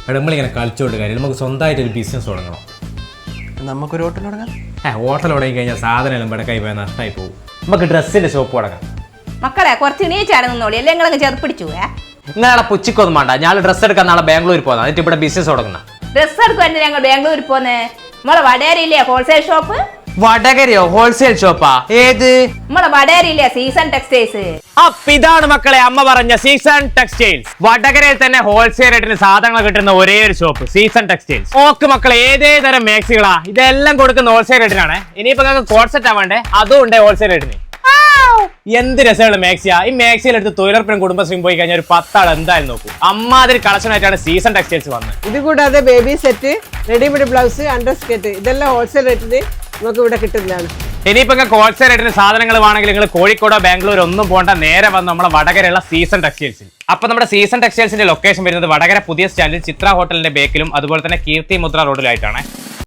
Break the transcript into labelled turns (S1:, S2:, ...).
S1: എടാ നമ്മളിങ്ങനെ കളിച്ചോണ്ട് കാര്യം നമുക്ക് സ്വന്തമായിട്ടൊരു ബിസിനസ് തുടങ്ങണം.
S2: നമുക്കൊരു ഹോട്ടൽ തുടങ്ങാം.
S1: ഹോട്ടൽ തുടങ്ങി കഴിഞ്ഞാൽ സാധനം എല്ലാം ഇവിടെ കൈ പോയാൽ നഷ്ടമായി പോകും. നമുക്ക് ഡ്രസ്സിന്റെ ഷോപ്പ് തുടങ്ങാം.
S3: മക്കളെ കുറച്ച് നീച്ചാണെന്നോളി അല്ലേ നിങ്ങളങ്ങ് ചെറുപ്പിടിച്ചു.
S1: നാളെ പുച്ചിക്കൊന്നും വേണ്ട, ഞാൻ ഡ്രസ്സ് എടുക്കാൻ നാളെ ബാംഗ്ലൂർ പോകുന്നത്, എന്നിട്ട് ഇവിടെ ബിസിനസ് തുടങ്ങുന്ന.
S3: ഡ്രസ്സ് എടുക്കുവാൻ ഞങ്ങൾ ബാംഗ്ലൂരിൽ പോന്നേ. നമ്മളെ വടേരിയില്ലേ ഹോൾസെയിൽ ഷോപ്പ്?
S1: വടകരയോ ഹോൾസെയിൽ ഷോപ്പാ? ഏത്?
S3: നമ്മളെ വടേരിയില്ലേ സീസൺ ടെക്സ്റ്റൈൽസ്.
S1: അപ്പൊ ഇതാണ് മക്കളെ അമ്മ പറഞ്ഞ സീസൺ ടെക്സ്റ്റൈൽസ്. വടകരയിൽ തന്നെ ഹോൾസെയിൽ റേറ്റിന് സാധനങ്ങൾ കിട്ടുന്ന ഒരേ ഒരു ഷോപ്പ് സീസൺ ടെക്സ്റ്റൈൽസ്. ഓക്കെ മക്കളെ, ഏതേ തരം മാക്സികളാ ഇതെല്ലാം കൊടുക്കുന്ന ഹോൾസെയിൽ റേറ്റിനാണ്. ഇനിയിപ്പോ നിങ്ങൾക്ക് കോഡ് സെറ്റ് ആവേണ്ടേ, അതും ഉണ്ട് ഹോൾസെയിൽ റേറ്റിന്. എന്ത് രസമുള്ള മാക്സിയാ! ഈ മാക്സിയിൽ എടുത്ത് തൊഴിലുറപ്പിനും കുടുംബശ്രീയും പോയി കഴിഞ്ഞാൽ ഒരു 10 ആൾ എന്തായാലും നോക്കും. അമ്മാതിരി കളക്ഷൻ ആയിട്ടാണ് സീസൺ ടെക്സ്റ്റൈൽസ് വന്നത്.
S4: ഇത് കൂടാതെ baby set, readymade blouse, under skirt ഇതെല്ലാം ഹോൾസെയിൽ റേറ്റിന് നമുക്ക് ഇവിടെ കിട്ടുന്നതാണ്.
S1: ഇനിയിപ്പോ നിങ്ങൾക്ക് ഹോൾസെയിൽ റേറ്റിന് സാധനങ്ങൾ വേണമെങ്കിൽ നിങ്ങൾ കോഴിക്കോടോ ബാംഗ്ലൂരോ ഒന്നും പോകണ്ട, നേരെ വന്ന് നമ്മളെ വടകരയുള്ള സീസൺ ടെക്സ്റ്റൈൽസിൽ. അപ്പൊ നമ്മുടെ സീസൺ ടെക്സ്റ്റൈൽസിന്റെ ലൊക്കേഷൻ വരുന്നത് വടകര പുതിയ സ്റ്റാൻഡിൽ ചിത്ര ഹോട്ടലിന്റെ ബേക്കിലും അതുപോലെ തന്നെ കീർത്തി മുദ്ര റോഡിലായിട്ടാണ്.